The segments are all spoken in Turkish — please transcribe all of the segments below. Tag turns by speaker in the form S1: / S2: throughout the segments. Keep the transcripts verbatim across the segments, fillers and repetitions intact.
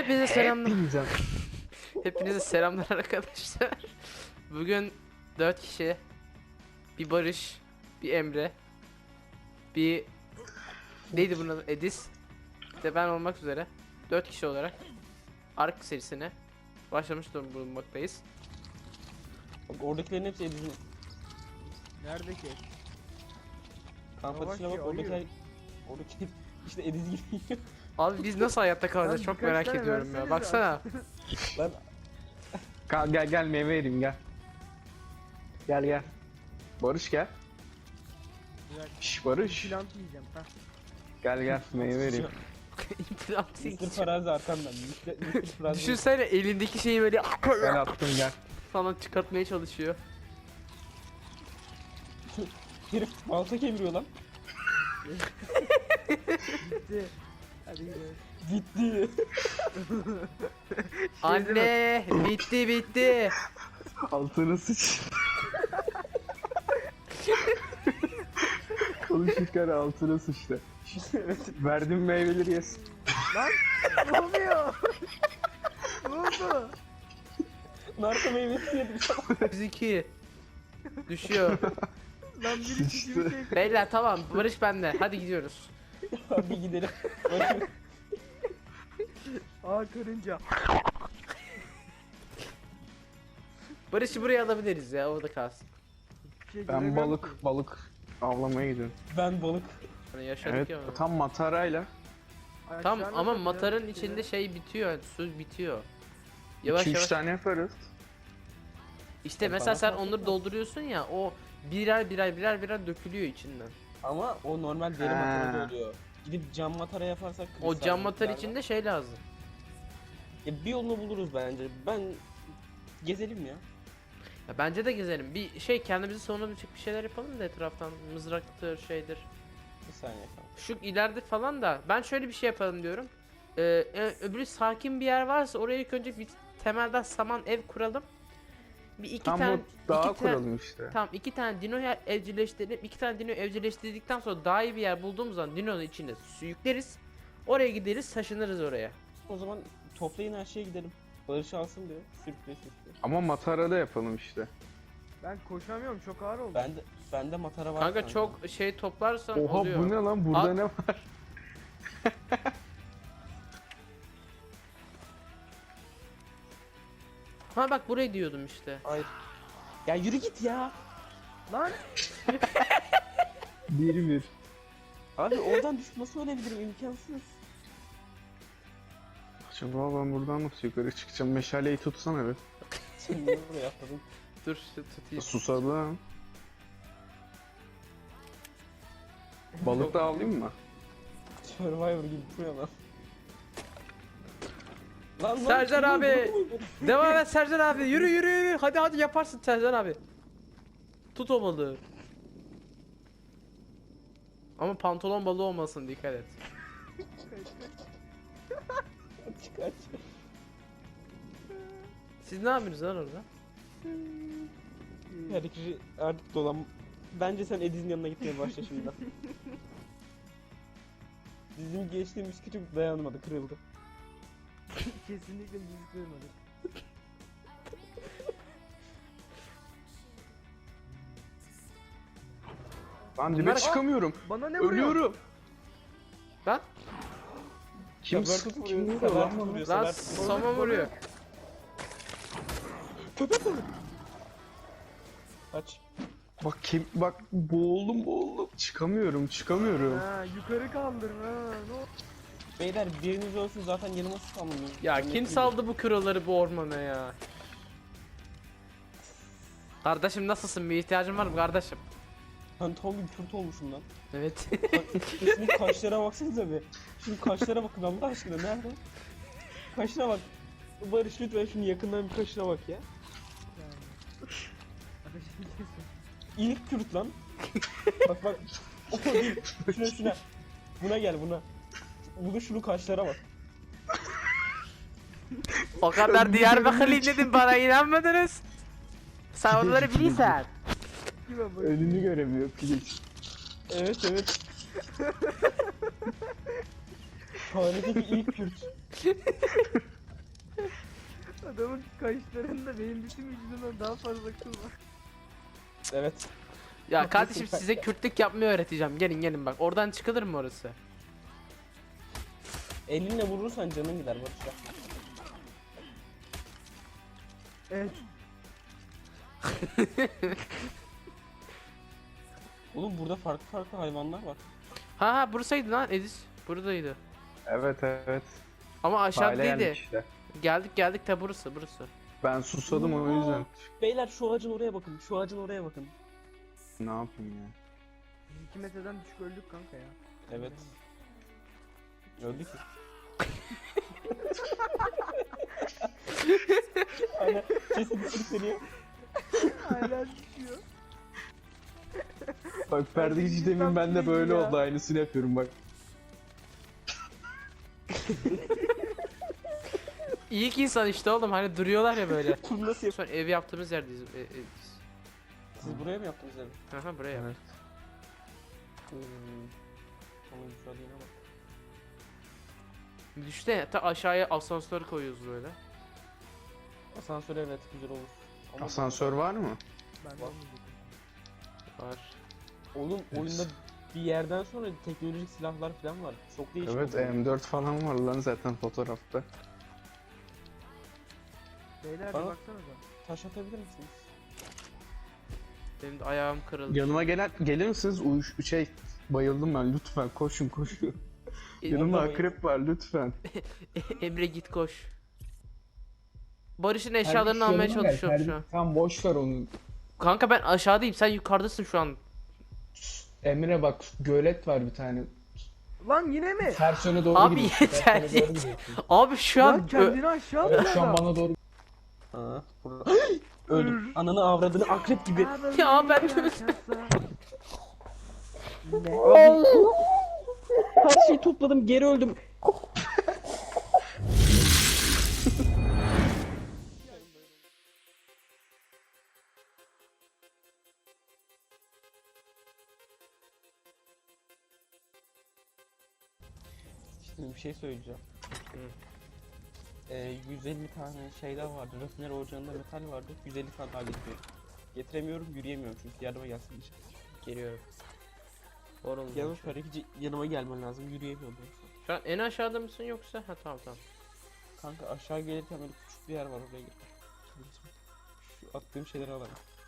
S1: Hepinize selamlar.
S2: Hepinize.
S1: Hepinize selamlar arkadaşlar. Bugün dört kişi, bir Barış, bir Emre, bir neydi bunun adı? Edis, bir de ben olmak üzere dört kişi olarak Ark serisine başlamış bulunmaktayız.
S3: Bak oradakilerin hepsi Edis'in.
S4: Nerede ki?
S3: Kamp ateşine bak
S4: Yavaş ya,
S3: oradakiler...
S4: ayı.
S3: Oradaki işte Edis gibi.
S1: Abi biz nasıl hayatta kalacağız
S4: Lan
S1: çok
S4: birkaç
S1: merak
S4: tane
S1: ediyorum ya.
S4: versenize.
S1: Baksana.
S3: Lan
S2: Gel gel gel meyve vereyim gel. Gel gel. Barış gel.
S4: Bırak.
S2: Şş Barış.
S4: Plant yiyeceğim. Heh.
S2: Gel gel meyve vereyim.
S1: İmplant
S3: mister Farazi arkamdan. mister Farazi.
S1: Düşünsene elindeki şeyi böyle
S2: Gel attım gel.
S1: falan çıkartmaya çalışıyor.
S3: Herif balta kemiriyor lan.
S4: Bitti. Hadi gidelim.
S3: Gitti.
S1: Anne bitti bitti.
S2: Altına sıç. Konuşurken altına sıçtı. Verdim meyveleri yesin.
S4: Lan ne oluyor? Ne oldu?
S3: Narko meyvesi yedim.
S1: yüz iki. Düşüyor.
S4: Lan biri
S2: Sıçtı.
S4: çiçeği şey...
S1: Beyler tamam Barış bende. Hadi gidiyoruz.
S3: Hadi gidelim.
S4: Aa karınca.
S1: Barış'ı buraya alabiliriz ya orada kalsın.
S4: Hiçbir şey
S2: Ben
S4: göremiyorum
S2: balık
S4: ki.
S2: balık avlamaya gidiyorum.
S3: Ben balık.
S1: Hani yaşadık
S2: Evet
S1: ya.
S2: tam matarayla.
S1: Tam
S4: Aşağıda
S1: ama
S4: da
S1: matarın
S4: biraz
S1: içinde
S4: şeyler-
S1: şey bitiyor, su bitiyor. Yavaş
S2: iki üç
S1: yavaş.
S2: tane yaparız.
S1: İşte
S3: Ya
S1: mesela
S3: bana
S1: sen
S3: fark
S1: onları
S3: etmez.
S1: dolduruyorsun ya o birer birer birer birer dökülüyor içinden.
S3: Ama o normal deri
S2: Ha.
S3: matarada oluyor. Gidip cam matara yaparsak...
S1: O
S3: kristal
S1: cam matar
S3: boyutlarda-
S1: içinde şey lazım.
S3: Ya bir yolunu buluruz bence. Ben... Gezelim ya.
S1: Ya bence de gezelim. Bir şey kendimizi savunabilecek bir şeyler yapalım da etraftan mızraktır şeydir.
S3: Bir saniye kanka.
S1: Şu ileride falan da ben şöyle bir şey yapalım diyorum. Ee, e, öbürü sakin bir yer varsa oraya ilk önce bir temelden saman ev kuralım. Bir iki
S2: Tam
S1: tane
S2: bu dağa
S1: iki tane-
S2: kuralım işte.
S1: Tamam iki tane dino yer evcilleştirip iki tane dino evcilleştirdikten sonra daha iyi bir yer bulduğumuz zaman dinonun içinde su yükleriz. Oraya gideriz taşınırız oraya.
S3: O zaman toplayın her şeye gidelim. Barış alsın diyor. Sürükle sürükle.
S2: Ama matarada yapalım işte.
S4: Ben koşamıyorum çok ağır oldu.
S3: Bende bende matara var.
S1: Kanka çok şey toplarsan
S2: Oha
S1: oluyor.
S2: bu ne lan burada
S1: Al.
S2: ne var?
S1: Ha bak buraya diyordum işte.
S3: Hayır. Ya yürü git ya.
S4: Lan
S2: Bir bir.
S3: Abi oradan düşüp nasıl ölebilirim, imkansız.
S2: Acaba ben buradan nasıl yukarı çıkacağım? Meşaleyi tutsana bir.
S3: Sen niye buraya atladın?
S1: Dur şu tutayım.
S2: Susadım. Balık da alayım mı?
S3: Survivor gibi duruyor lan. Lan lan.
S1: Sercan
S3: kim
S1: abi.
S3: öldü?
S1: Devam et Sercan abi. Yürü yürü yürü. Hadi hadi yaparsın Sercan abi. Tut o balığı. Ama pantolon balığı olmasın dikkat et.
S3: Kaç kaç.
S1: Siz ne yapıyorsunuz lan orada?
S3: Her iki artık dolan. Bence sen Ediz'in yanına gitmeye başla şimdiden. Bizim geçtiğimiz küçük dayanmadı, kırıldı.
S4: kesinlikle bizi kırmadı.
S2: Ben dibe
S1: Bunlar-
S2: çıkamıyorum.
S4: Bana ne vuruyor?
S2: Ölüyorum.
S1: Lan
S2: Kim
S3: Sever
S2: sık-
S3: tut
S2: kim
S3: vuruyor,
S2: vuruyor
S3: sever
S2: lan
S3: tut
S2: bana?
S3: vuruyor,
S1: lan
S3: sever tut vuruyor.
S1: sama vuruyor.
S3: Kaç.
S2: Bak kim bak boğuldum boğuldum. Çıkamıyorum çıkamıyorum.
S4: Ha yukarı kaldır ha. Ne oldu?
S3: Beyler biriniz ölsün zaten yanıma spamlanıyor.
S1: Ya
S3: Yemek
S1: kim
S3: gibi.
S1: saldı bu kroları bu ormana ya? Kardeşim nasılsın? Bir ihtiyacın var mı kardeşim?
S3: Ben tam bir kürt olmuşum lan.
S1: Evet.
S3: Şunun kaşlara baksanıza bir. Şunun kaşlara bakın Allah aşkına, nerede? Kaşına bak. Barış lütfen şunun yakından bir kaşına bak ya.
S4: Yani. Ateş ediyorsun.
S3: İlk kürt lan. Bak bak. O değil. Şuna şuna. Buna gel buna. Buna şunun kaşlara bak.
S1: O kadar Diyarbakırlıyım dedim bana inanmadınız. Sen onları bilirsen.
S4: Kime bak?
S2: Önünü göremiyor piliç.
S3: Evet evet. Tarih'teki ilk Kürt.
S4: Adamın kaşlarında benim bütün vücudumdan daha fazla kıl var.
S3: Evet.
S1: Ya kardeşim size Kürtlük yapmayı öğreteceğim. Gelin gelin bak. Oradan çıkılır mı orası?
S3: Elinle vurursan canın gider Barış ya.
S4: Evet.
S3: Oğlum burada farklı farklı hayvanlar var.
S1: Ha ha burasıydı lan Edis. Buradaydı.
S2: Evet evet.
S1: Ama aşağı
S2: Aile
S1: değildi.
S2: geldik işte.
S1: Geldik geldik de burası burası.
S2: Ben susadım o yüzden.
S3: Beyler şu ağacın oraya bakın. Şu ağacın oraya bakın.
S2: Ne yapayım ya?
S4: Biz iki metreden düşük öldük kanka ya.
S3: Evet. Öldü ki. Aynen. Cesedi sürükleniyor.
S4: Hala düşüyor.
S2: Bak perde hiç demin ben de böyle oldu, aynısını yapıyorum bak.
S1: İyi ki insan işte oğlum hani duruyorlar ya böyle.
S3: Nasıl yap?
S1: Sonra ev yaptığımız yerdeyiz. E, e, biz.
S3: Siz buraya mı yaptınız evi?
S1: Aha buraya.
S2: Evet.
S3: Hmm. Ama güzelliğine bak.
S1: Düşte ta aşağıya asansör koyuyoruz böyle.
S3: Asansör evet güzel olur. Ama
S2: Asansör var mı?
S4: Ben de
S3: Bak.
S4: olmayacak.
S1: Var.
S3: oğlum oyunda bir yerden sonra teknolojik silahlar falan var. Çok değişik.
S2: Evet
S3: oldu.
S2: M dört falan var lan zaten fotoğrafta.
S4: Beyler bir
S3: Bana-
S4: baksanıza.
S3: Taş atabilir misiniz?
S1: Benim de ayağım kırıldı.
S2: Yanıma gelen gelir misiniz? Uyuş şey bayıldım ben, lütfen koşun koşun. Yanımda
S3: Orada
S2: akrep var lütfen.
S1: Emre git koş. Barış'ın eşyalarını almaya çalışıyorum şu an.
S2: Tam boş ver onu.
S1: Kanka ben aşağıdayım sen yukarıdasın şu an.
S2: Emre bak gölet var bir tane.
S4: Lan yine mi?
S2: Ters yöne doğru
S1: Abi
S2: gidiyorsun.
S1: yeter,
S2: Ters yöne doğru
S1: yeter.
S2: gidiyorsun.
S1: Abi şu an
S4: Lan kendini aşağı
S2: Evet,
S4: atıyor
S2: şu an
S4: adam.
S2: bana doğru.
S3: Ha, burada. Öldüm. Ananı avradını akrep gibi.
S1: Ya ben-
S4: Ne?
S3: Abi. Her şeyi topladım geri öldüm. Şimdi bir şey söyleyeceğim. Ee, yüz elli tane şeyler vardı. Rafineri ocağında metal vardı. yüz elli tane daha getiriyorum. Getiremiyorum, yürüyemiyorum çünkü yardıma gelsin diye.
S1: Geliyorum. Oralım.
S3: Yalnız Karakici yanıma gelmen lazım, yürüyemiyorum ben şu an.
S1: Şu an en aşağıda mısın yoksa? Ha tamam tamam.
S3: Kanka aşağı gelirken böyle küçük bir yer var, oraya git. Şu attığım şeyleri alalım.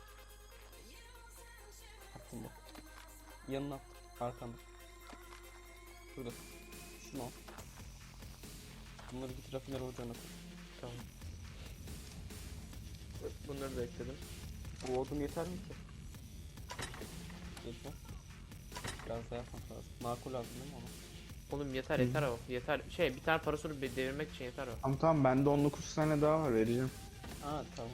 S3: Attım bak. Yanına at. Arkanda. Şurada. Şunu al. Bunları git rafineri ocağına koy.
S1: Tamam. Bunları da ekledim.
S3: Bu odun yeter mi ki? Yetmez. Biraz daha yapmak lazım. Makul lazım değil mi ama?
S1: Oğlum yeter yeter o. Yeter. Şey bir tane parasını bir devirmek için yeter o.
S2: Tamam tamam bende on dokuz tane daha var, vereceğim.
S3: Ha tamam.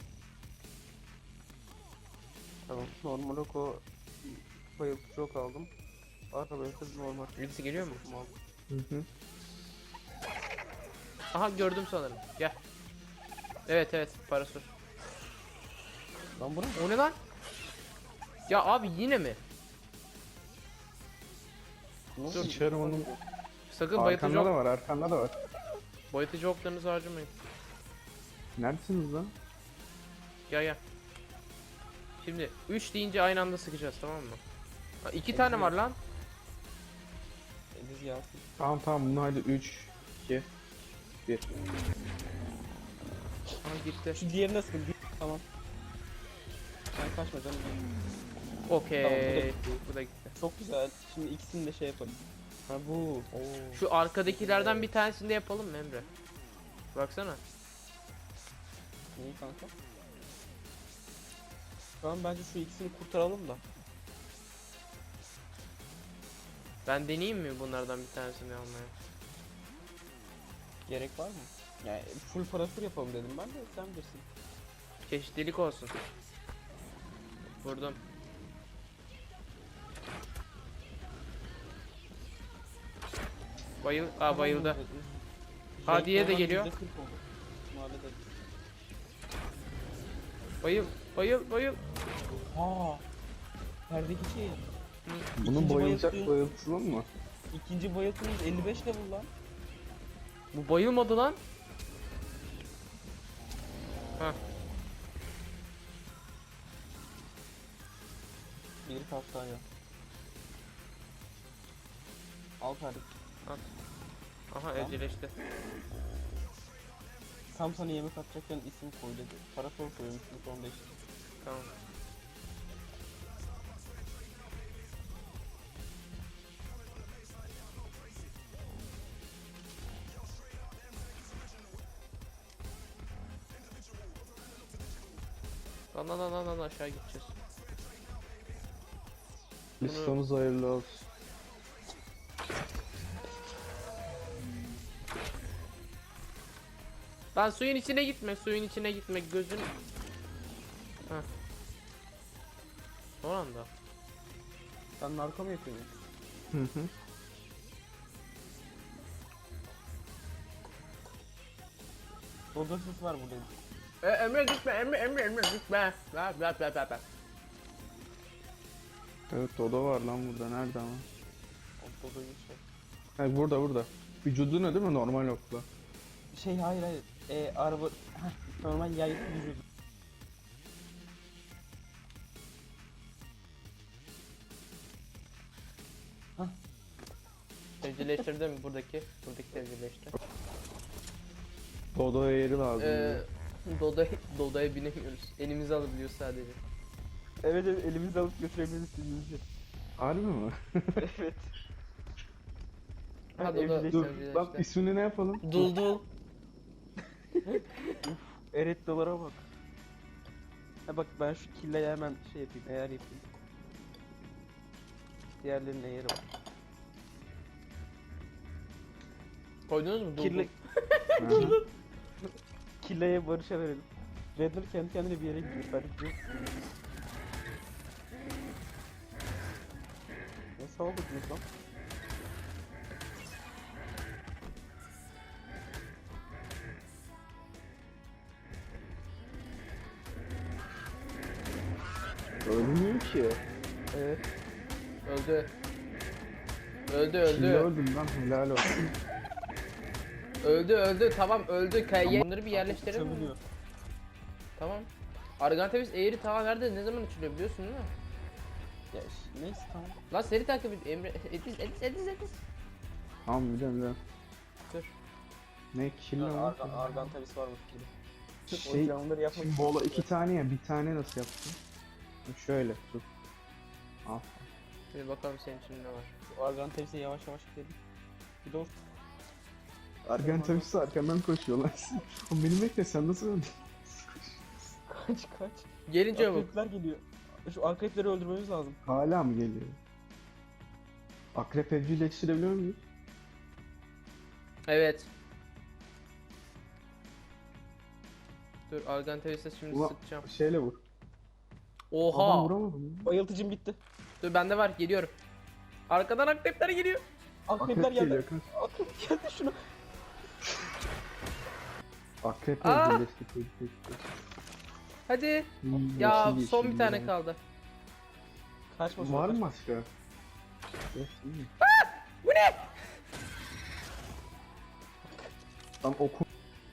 S3: Tamam. Normal ok o bayıltıcı ok aldım. Arka bayıltıcı normal.
S1: Birisi geliyor mu?
S3: Aldım.
S2: Hı hı.
S1: Aha gördüm sanırım. Gel. Evet evet parasur.
S3: Lan bu ne?
S1: O ne lan? Ya abi yine mi?
S3: Ne
S1: Dur,
S3: oldu?
S2: içerim onu.
S1: Sakın bayıltıcı,
S2: Arkanda da
S1: ok,
S2: var, arkanda da var.
S1: bayıltıcı oklarınızı harcamayın.
S2: Neredesiniz lan?
S1: Gel gel. Şimdi üç deyince aynı anda sıkacağız tamam mı? Ha, iki tane var lan.
S3: Ediz gelsin.
S2: Tamam tamam bunu hadi üç, iki, bir.
S1: Aha gitti.
S3: Şu diğerine sıkın. Bir- Tamam. Sen kaçma canım.
S1: Okey.
S3: Tamam, bu da gitti.
S1: Bu da gitti.
S3: Çok güzel. Şimdi ikisini de şey yapalım. Ha bu. Oo.
S1: Şu arkadakilerden bir tanesini de yapalım mı Emre? Baksana.
S3: Neyi kanka? Şu an bence şu ikisini kurtaralım da.
S1: Ben deneyeyim mi bunlardan bir tanesini almaya?
S3: Gerek var mı? Yani full parasır yapalım dedim ben de, sen bilirsin.
S1: Çeşitlilik olsun. Vurdum. Bayıl, aa bayıldı. Ha, diğeri de geliyor.
S3: yüzde kırk oldu. Bunu hallederiz.
S1: Bayıl, bayıl, bayıl.
S3: Aa. Perdeki şey.
S2: Bunu
S3: İkinci
S2: bayılacak
S3: bayıltı-
S2: bayıltılır mı?
S3: İkinci bayıltımız elli beş level lan.
S1: Bu bayılmadı lan. Ha.
S3: Bir kastanya. Al kardeşim.
S1: Aha evcilleşti.
S3: Tam sana yemek atacakken isim koy dedi. Parasol koymuşsun son beş.
S1: Tamam. Lan lan lan lan lan aşağı gideceğiz.
S2: Listamız hayırlı olsun.
S1: Lan suyun içine gitme, suyun içine gitme, gözün... Heh. Son anda.
S3: Sen narko mu yapıyorsun?
S2: Hı hı.
S3: Dodosuz var burada.
S1: E, Emre gitme, Emre, Emre, Emre gitme. Ver, ver, ver, ver, ver.
S2: Evet Dodo var lan burada. Nerede ama?
S3: O Dodo'yu şey.
S2: Ha, burada burada. Vücuduna değil mi normal okla?
S3: Şey hayır hayır. E, araba... Heh, normal yay vücudu.
S1: Evcilleştirdim buradaki, buradaki evcilleşti.
S2: Dodo'ya yeri lazım.
S1: Ee, Dodo'ya, Dodo'ya binemiyoruz. Elimizi alabiliyor sadece.
S3: Evet evet elimizle alıp götürebiliriz sizi.
S2: Harbi mi?
S3: Evet.
S1: Ha,
S3: Ha,
S1: Dodo.
S3: evcilleşti.
S2: Dur
S1: Evcilleşti.
S2: bak ismini ne yapalım?
S1: Dul dul.
S3: Eret dolara bak. Ha bak ben şu killeye hemen şey yapayım, eğer yapayım. Diğerlerinin eğeri var.
S1: Koydunuz mu? Dul
S3: Kirli...
S1: dul.
S2: Aha.
S3: Killeye Barış'a verelim. Redler kendi kendine bir yere gidiyor. Ben gidiyorum. Ne sağladınız lan?
S2: Ölmüyor ki.
S3: Evet.
S1: Öldü. Öldü
S2: Şimdi
S1: öldü.
S2: öldüm lan helal olsun.
S1: Öldü öldü tamam öldü. Kayı bunları bir yerleştirelim mi?
S3: Çabiliyor.
S1: Tamam. Argantevis eğri tava nerede ne zaman açılıyor biliyorsun değil mi?
S3: Ya ş- neyse tamam.
S1: Lan seri takip et Emre. Ediz Ediz Ediz Ediz.
S2: Tamam biliyorum biliyorum.
S1: Dur.
S2: Ne kill
S3: Ya,
S2: lan?
S3: Argan, Argan tabisi varmış gibi.
S2: Şey,
S3: O onları yapmak
S2: şimdi bola iki tane ya bir tane nasıl yaptın? Şöyle tut. Al.
S1: Şimdi bakalım senin için ne var.
S3: Argan tabisiye yavaş yavaş gidelim. Bir de o
S2: Argan tabii arkamdan koşuyor lan. Oğlum beni bekle sen nasıl öldün?
S3: kaç kaç.
S1: Gelin çabuk.
S3: Akrepler geliyor. Şu akrepleri öldürmemiz lazım.
S2: Hala mı geliyor? Akrep evcilleştirebiliyor muyuz?
S1: Evet. Dur Argantevis'e şimdi
S2: Ulan
S1: sıkacağım.
S2: şeyle vur. Adam
S1: Oha.
S2: vuramadım.
S3: Bayıltıcım bitti.
S1: Dur bende var geliyorum. Arkadan akrepler geliyor.
S3: Akrepler
S2: Akrep
S3: geldi.
S2: geliyor kaç.
S3: Akrep geldi şunu.
S2: Akrep
S1: Aa!
S2: evcilleşti. evcilleşti.
S1: Hadi.
S2: Hmm,
S1: Ya
S2: yeşil,
S1: son
S2: yeşil
S1: bir tane
S2: yani.
S1: kaldı.
S3: Kaçma
S2: Var
S3: kaçma.
S2: mı başka? Yok değil mi?
S1: Bu ne?
S2: Tam oku.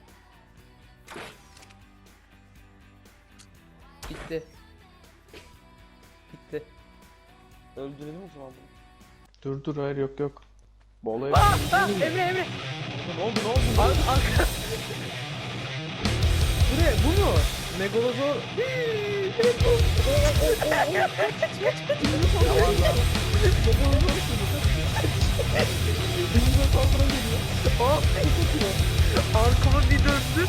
S1: Bitti. Bitti.
S3: Öldürelim o zaman bunu.
S2: Dur dur hayır yok yok. Bola
S1: Aa, aa, Emre Emre.
S3: Ne oldu ne oldu?
S1: Ar arka. Bu ne? Bu mu? Megalosaur. Arkama bir döndüm.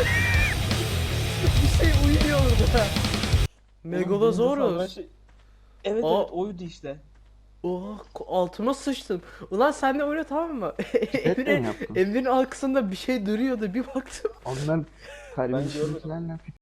S1: Bir şey uyuyor orada. Megalosaurus.
S3: Şey... Evet
S1: Aa.
S3: evet oydu işte.
S1: Oha ko- altıma sıçtım. Ulan sen de öyle tamam mı?
S2: Hep mi
S1: Emre,
S2: yaptın?
S1: Emre'nin arkasında bir şey duruyordu bir baktım.
S2: Ondan
S3: görmedim.
S2: terbiyesizliklerle